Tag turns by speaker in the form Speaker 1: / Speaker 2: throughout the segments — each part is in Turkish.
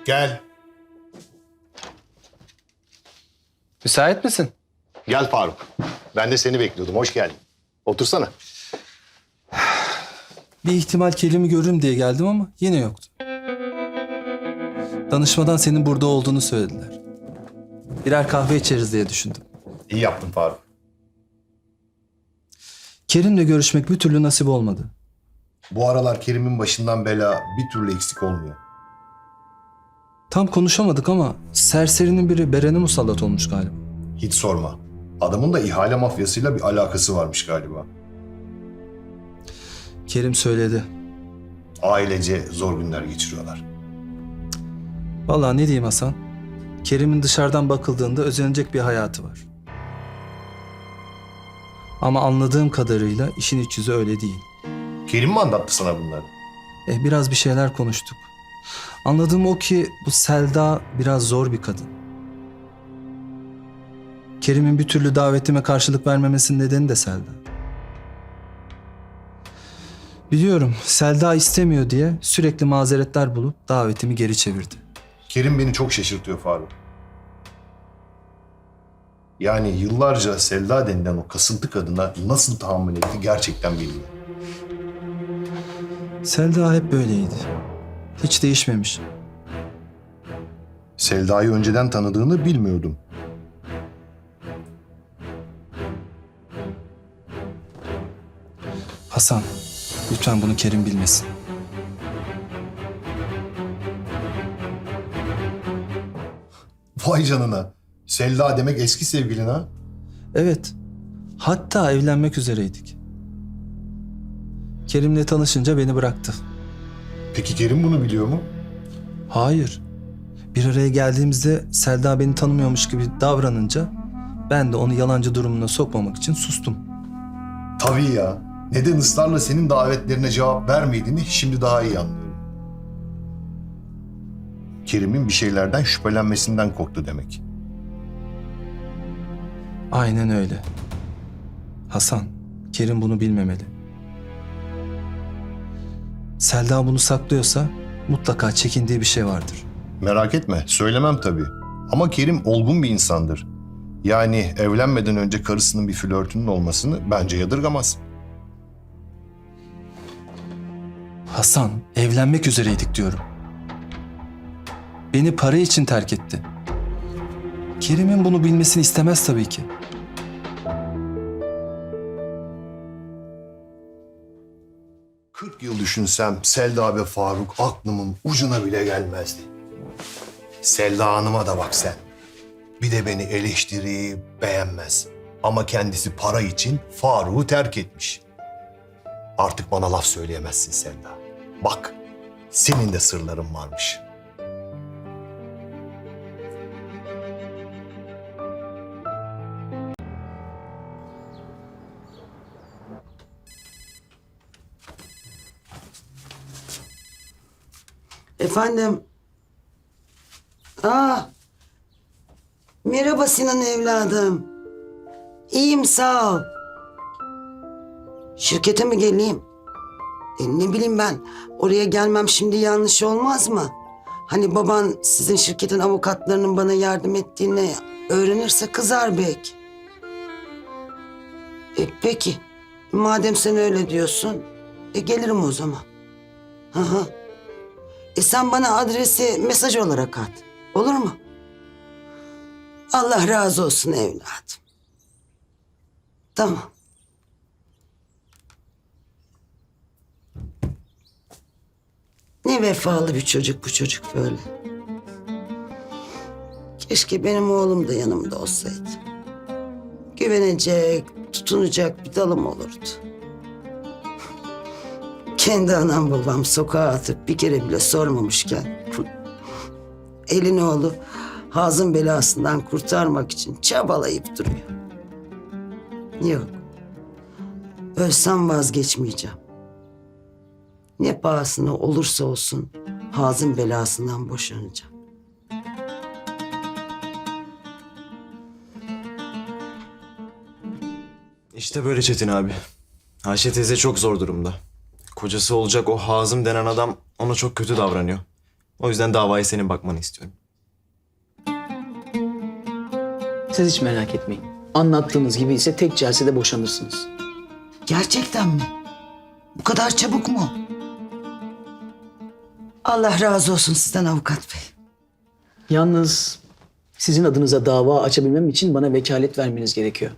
Speaker 1: Gel.
Speaker 2: Müsait misin?
Speaker 1: Gel Faruk. Ben de seni bekliyordum. Hoş geldin. Otursana.
Speaker 2: Bir ihtimal Kerim'i görürüm diye geldim ama yine yoktu. Danışmadan senin burada olduğunu söylediler. Birer kahve içeriz diye düşündüm.
Speaker 1: İyi yaptın Faruk.
Speaker 2: Kerim'le görüşmek bir türlü nasip olmadı.
Speaker 1: Bu aralar Kerim'in başından bela bir türlü eksik olmuyor.
Speaker 2: Tam konuşamadık ama serserinin biri Beren'e musallat olmuş galiba.
Speaker 1: Hiç sorma. Adamın da ihale mafyasıyla bir alakası varmış galiba.
Speaker 2: Kerim söyledi.
Speaker 1: Ailece zor günler geçiriyorlar.
Speaker 2: Vallahi ne diyeyim Hasan? Kerim'in dışarıdan bakıldığında özenecek bir hayatı var. Ama anladığım kadarıyla işin iç yüzü öyle değil.
Speaker 1: Kerim mi anlattı sana bunları?
Speaker 2: Biraz bir şeyler konuştuk. Anladığım o ki bu Selda biraz zor bir kadın. Kerim'in bir türlü davetime karşılık vermemesinin nedeni de Selda. Biliyorum Selda istemiyor diye sürekli mazeretler bulup davetimi geri çevirdi.
Speaker 1: Kerim beni çok şaşırtıyor Faruk. Yani yıllarca Selda denilen o kasıntı kadına nasıl tahammül etti gerçekten bilmiyorum.
Speaker 2: Selda hep böyleydi. Hiç değişmemiş.
Speaker 1: Selda'yı önceden tanıdığını bilmiyordum.
Speaker 2: Hasan, lütfen bunu Kerim bilmesin.
Speaker 1: Vay canına. Selda demek eski sevgilin ha?
Speaker 2: Evet, hatta evlenmek üzereydik. Kerim'le tanışınca beni bıraktı.
Speaker 1: Peki Kerim bunu biliyor mu?
Speaker 2: Hayır. Bir araya geldiğimizde Selda beni tanımıyormuş gibi davranınca ben de onu yalancı durumuna sokmamak için sustum.
Speaker 1: Tabii ya. Neden ısrarla senin davetlerine cevap vermediğini şimdi daha iyi anlıyorum. Kerim'in bir şeylerden şüphelenmesinden korktu demek.
Speaker 2: Aynen öyle. Hasan, Kerim bunu bilmemeli. Selda bunu saklıyorsa mutlaka çekindiği bir şey vardır.
Speaker 1: Merak etme, söylemem tabii. Ama Kerim olgun bir insandır. Yani evlenmeden önce karısının bir flörtünün olmasını bence yadırgamaz.
Speaker 2: Hasan, evlenmek üzereydik diyorum. Beni para için terk etti. Kerim'in bunu bilmesini istemez tabii ki.
Speaker 1: ...40 yıl düşünsem Selda ve Faruk aklımın ucuna bile gelmezdi. Selda Hanım'a da bak sen. Bir de beni eleştirip beğenmez. Ama kendisi para için Faruk'u terk etmiş. Artık bana laf söyleyemezsin Selda. Bak, senin de sırların varmış.
Speaker 3: Efendim? Merhaba Sinan evladım. İyiyim sağ ol. Şirkete mi geleyim? Ne bileyim ben. Oraya gelmem şimdi yanlış olmaz mı? Hani baban sizin şirketin avukatlarının bana yardım ettiğini öğrenirse kızar belki. Peki. Madem sen öyle diyorsun. Gelirim o zaman. Hı hı. Sen bana adresi mesaj olarak at. Olur mu? Allah razı olsun evladım. Tamam. Ne vefalı bir çocuk bu çocuk böyle. Keşke benim oğlum da yanımda olsaydı. Güvenecek, tutunacak bir dalım olurdu. Kendi anam babam sokağa atıp bir kere bile sormamışken... ...elin oğlu Hazım belasından kurtarmak için çabalayıp duruyor. Yok. Ölsem vazgeçmeyeceğim. Ne pahasına olursa olsun Hazım belasından boşanacağım.
Speaker 4: İşte böyle Çetin abi. Ayşe teyze çok zor durumda. Kocası olacak o Hazım denen adam ona çok kötü davranıyor. O yüzden davaya senin bakmanı istiyorum.
Speaker 5: Siz hiç merak etmeyin. Anlattığınız gibi ise tek celsede boşanırsınız.
Speaker 3: Gerçekten mi? Bu kadar çabuk mu? Allah razı olsun sizden avukat bey.
Speaker 5: Yalnız sizin adınıza dava açabilmem için bana vekalet vermeniz gerekiyor.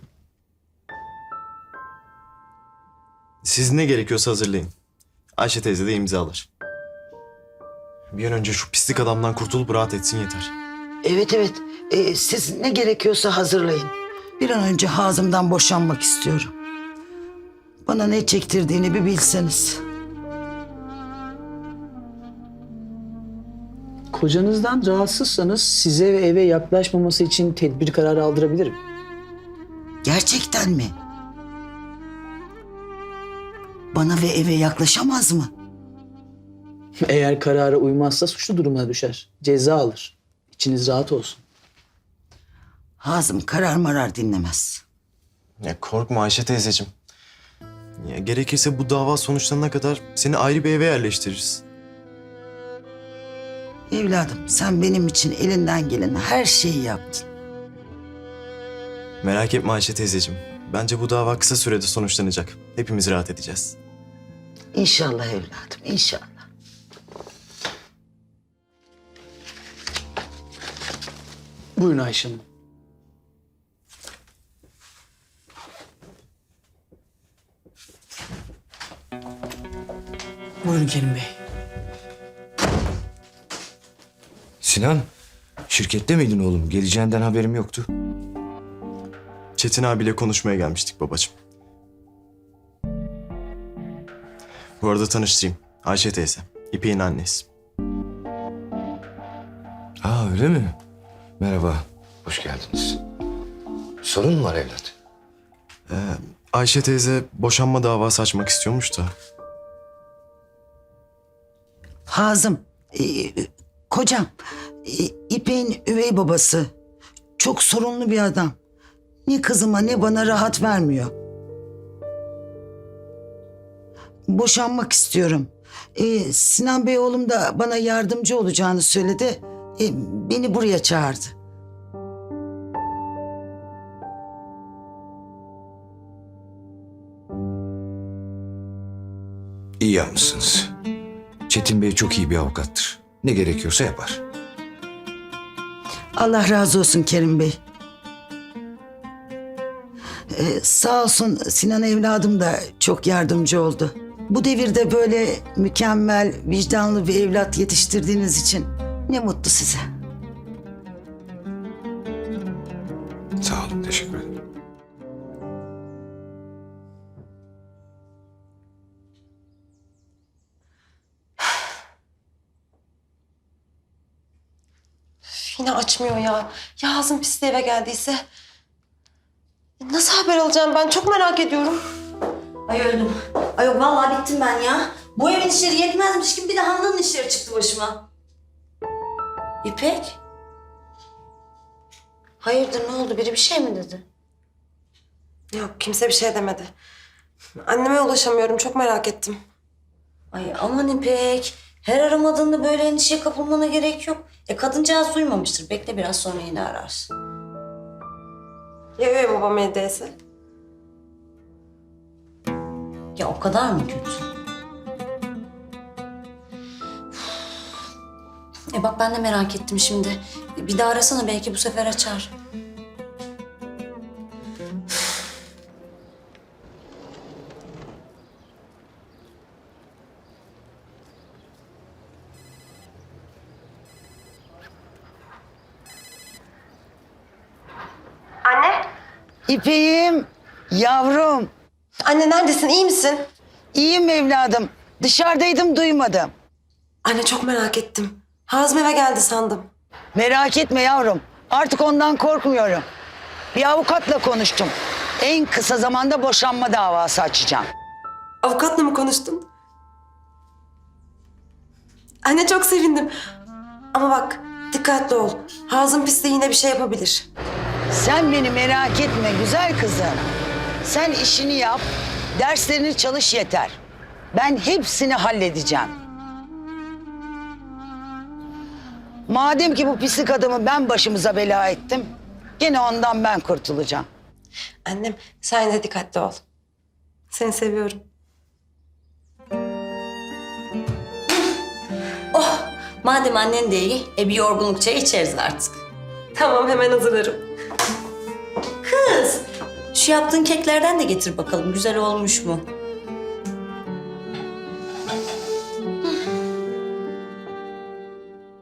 Speaker 4: Siz ne gerekiyorsa hazırlayın. Ayşe teyze de imzalar. Bir an önce şu pislik adamdan kurtulup rahat etsin yeter.
Speaker 3: Evet evet. Siz ne gerekiyorsa hazırlayın. Bir an önce Hazım'dan boşanmak istiyorum. Bana ne çektirdiğini bir bilseniz.
Speaker 5: Kocanızdan rahatsızsanız size ve eve yaklaşmaması için tedbir kararı aldırabilirim.
Speaker 3: Gerçekten mi? Bana ve eve yaklaşamaz mı?
Speaker 5: Eğer karara uymazsa suçlu durumuna düşer. Ceza alır. İçiniz rahat olsun.
Speaker 3: Hazım karar marar dinlemez.
Speaker 4: Ya korkma Ayşe teyzeciğim. Ya gerekirse bu dava sonuçlanana kadar seni ayrı bir eve yerleştiririz.
Speaker 3: Evladım sen benim için elinden gelen her şeyi yaptın.
Speaker 4: Merak etme Ayşe teyzeciğim. Bence bu dava kısa sürede sonuçlanacak. Hepimiz rahat edeceğiz.
Speaker 3: İnşallah evladım inşallah.
Speaker 5: Buyurun Ayşe Hanım. Buyurun Kerim Bey.
Speaker 6: Sinan, şirkette miydin oğlum? Geleceğinden haberim yoktu.
Speaker 4: Çetin abiyle konuşmaya gelmiştik babacığım. Bu arada tanıştırayım. Ayşe teyze. İpek'in annesi.
Speaker 6: Aa öyle mi? Merhaba, hoş geldiniz. Sorun mu var evlat?
Speaker 4: Ayşe teyze boşanma davası açmak istiyormuş da.
Speaker 3: Hazım, kocam, İpek'in üvey babası. Çok sorunlu bir adam. Ne kızıma ne bana rahat vermiyor. Boşanmak istiyorum. Sinan Bey oğlum da bana yardımcı olacağını söyledi. Beni buraya çağırdı.
Speaker 6: İyi yapmışsınız. Çetin Bey çok iyi bir avukattır. Ne gerekiyorsa yapar.
Speaker 3: Allah razı olsun Kerim Bey. Sağ olsun Sinan evladım da çok yardımcı oldu. Bu devirde böyle mükemmel, vicdanlı bir evlat yetiştirdiğiniz için ne mutlu size.
Speaker 6: Sağ olun, teşekkür ederim.
Speaker 7: Yine açmıyor ya. Ya Hazım pisli eve geldiyse? Nasıl haber alacağım ben? Çok merak ediyorum.
Speaker 8: Ay öldüm. Ay yok vallahi bittim ben ya. Bu evin işleri yetmezmiş gibi bir de Handan'ın işleri çıktı başıma. İpek? Hayırdır ne oldu? Biri bir şey mi dedi?
Speaker 7: Yok kimse bir şey demedi. Anneme ulaşamıyorum. Çok merak ettim.
Speaker 8: Ay aman İpek. Her aramadığında böyle endişeye kapılmana gerek yok. Kadıncağız duymamıştır. Bekle biraz sonra yine ararsın.
Speaker 7: Ya üvey babam evdeyse?
Speaker 8: Ya o kadar mı kötü? Bak ben de merak ettim şimdi. Bir daha arasana belki bu sefer açar.
Speaker 7: Anne?
Speaker 3: İpek'im, yavrum.
Speaker 7: Anne neredesin? İyi misin?
Speaker 3: İyiyim evladım. Dışarıdaydım duymadım.
Speaker 7: Anne çok merak ettim. Hazım eve geldi sandım.
Speaker 3: Merak etme yavrum. Artık ondan korkmuyorum. Bir avukatla konuştum. En kısa zamanda boşanma davası açacağım.
Speaker 7: Avukatla mı konuştun? Anne çok sevindim. Ama bak dikkatli ol. Hazım pisliği yine bir şey yapabilir.
Speaker 3: Sen beni merak etme güzel kızım. Sen işini yap, derslerini çalış yeter. Ben hepsini halledeceğim. Madem ki bu pislik adamı ben başımıza bela ettim, yine ondan ben kurtulacağım.
Speaker 7: Annem sen de dikkatli ol. Seni seviyorum.
Speaker 8: Oh, madem annen de iyi, bir yorgunluk çayı içeriz artık.
Speaker 7: Tamam hemen hazırlarım.
Speaker 8: Kız, şu yaptığın keklerden de getir bakalım. Güzel olmuş mu?